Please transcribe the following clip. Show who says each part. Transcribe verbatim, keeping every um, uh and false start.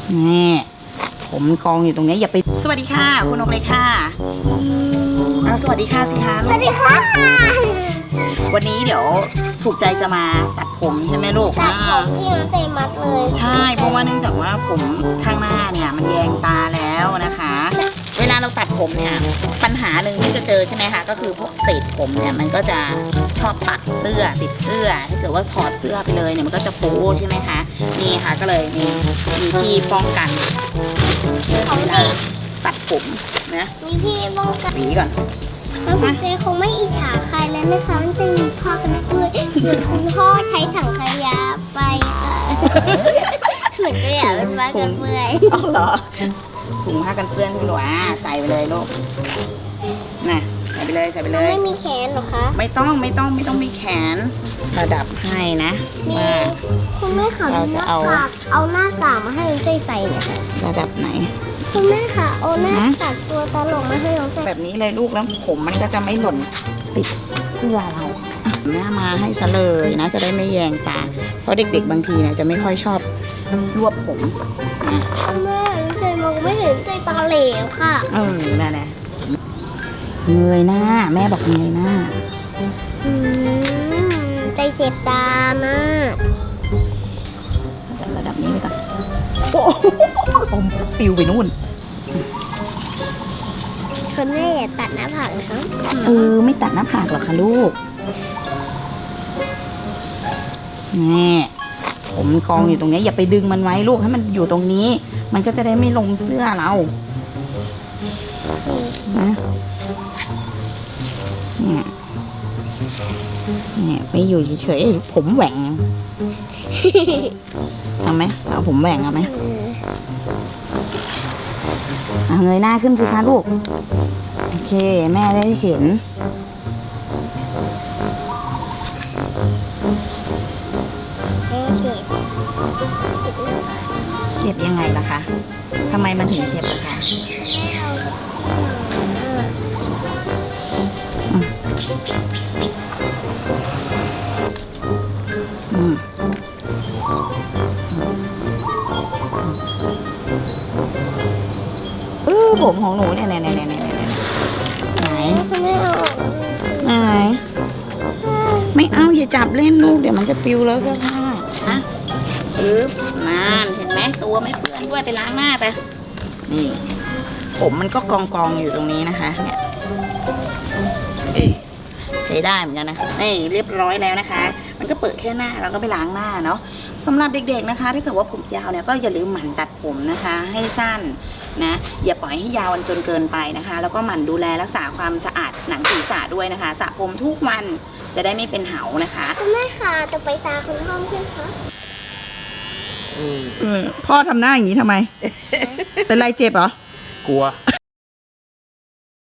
Speaker 1: นี่ผมกองอยู่ตรงนี้อย่าไปสวัสดีค่ะคุณนกเลยค่ะเอาสวัสดีค่ะสิคะ
Speaker 2: สวัสดีค่ะ
Speaker 1: วันนี้เดี๋ยวถูกใจจะมาตัดผมใช่ไหมลูก
Speaker 2: ตัดผมที่น้องใจมัดเลย
Speaker 1: ใช่เพราะว่าเนื่องจากว่าผมข้างหน้าเนี่ยมันแยงตาแล้วนะคะ เวลาเราตัดผมเนี่ยปัญหาหนึ่งที่จะเจอใช่ไหมคะก็คือพวกเศษผมเนี่ยมันก็จะชอบปักเสื้อติดเสื้อถ้าเกิดว่าถอดเสื้อไปเลยเนี่ยมันก็จะโป๊ใช่ไหมคะนี่ค่ะก็เลยมีมีที่ป้องกัน
Speaker 2: ของเด็ก
Speaker 1: ตัดผมนะ
Speaker 2: มีพี่ป้องกัน
Speaker 1: หวีก่อน
Speaker 2: แล้วคุณเจคงไม่อิจฉาใครแล้วนะคะมันจะมีพ่อกันเพื่อนส่วนคุณพ่อใช้ถังขยะไปค่ะเหมือนก็อยากเป็นบ้านกันเพื่อน
Speaker 1: อ๋อเหรอถุงผ้ากันเปื้อนพี่หนูอ่ะใส่ไปเลยลูกน่ะใส่ไปเลยใส่ไปเลย
Speaker 2: ไม่มีแขนหรอคะ
Speaker 1: ไม่ต้องไม่ต้องไม่ต้องมีแขนระดับให้นะว่า
Speaker 2: คุณแม่ค่ะ
Speaker 1: เราจะเอา
Speaker 2: เอาหน้ากากมาให้น้องใจใส่หน่อยค่ะ
Speaker 1: ระดับไหน
Speaker 2: คุณแม่ค่ะเอาหน้ากากตัวตลกมาให้น้องใจ
Speaker 1: แบบนี้เลยลูกแล้วผมมันก็จะไม่หล่นติดเสื้อเราอ่ะหน้ามาให้ซะเลยนะจะได้ไม่แยงตา เพราะเด็กๆบางทีเนี่ยจะไม่ค่อยชอบรวบผมนะ
Speaker 2: คุณแม่น้องใจมองไม่เห็นใจตาเหลวค่ะ
Speaker 1: เออนั่นแหละเงยหน้าแม่บอกเงยหน้า
Speaker 2: อืมใจเสียบตามาก
Speaker 1: จัดระดับนี้ไปก่อนโอ้โหผมปิวไปนู่น
Speaker 2: คุณแม่อย่าตัดหน้าผากนะคะ
Speaker 1: เออไม่ตัดหน้าผากหรอกค่ะลูกนี่ผมกองอยู่ตรงนี้อย่าไปดึงมันไว้ลูกให้มันอยู่ตรงนี้ มันก็จะได้ไม่ลงเสื้อเรานะเนี่ยเนี่ยไปอยู่เฉยๆผมแหว่งเอาไหมเอาผมแหว่งเอาไหมเอาเงยหน้าขึ้นสิคะลูกโอเคแม่ได้เห็นเจ็บยังไงล่ะคะทำไมมันถึงเจ็บล่ะคะอืมเออผมของหนูเนี่ยเนี่ยเนี่ยเนี่ยเนี่ยไหน
Speaker 2: คุณแม่เอาออก
Speaker 1: ไหนไม่เอาอย่าจับเล่นลูกเดี๋ยวมันจะปิวแล้วเสื้อผ้าฮะปึ๊บนานเห็นไหมตัวไม่เปื้อนด้วยไปล้างหน้าไปนี่ผมมันก็กองกองอยู่ตรงนี้นะคะเนี่ยเอ้ยใช้ได้เหมือนกันนะนี่เรียบร้อยแล้วนะคะ มันก็เปิดแค่หน้าแล้วก็ไปล้างหน้าเนาะสำหรับเด็กๆนะคะถ้าเกิดว่าผมยาวเนี่ยก็อย่าลืมหมั่นตัดผมนะคะ ให้สั้นนะอย่าปล่อยให้ยาวจนเกินไปนะคะ แล้วก็หมั่นดูแลรักษาความสะอาดหนังศีรษะด้วยนะคะสระผมทุกวันจะได้ไม่เป็นเหานะคะ
Speaker 2: คุณแม่ค่ะต่อไปตาคุณพ่อใช่ไหมคะ
Speaker 1: พ่อทำหน้าอย่างนี้ทำไม เป็นไรเจ็บเหรอ
Speaker 3: กลัว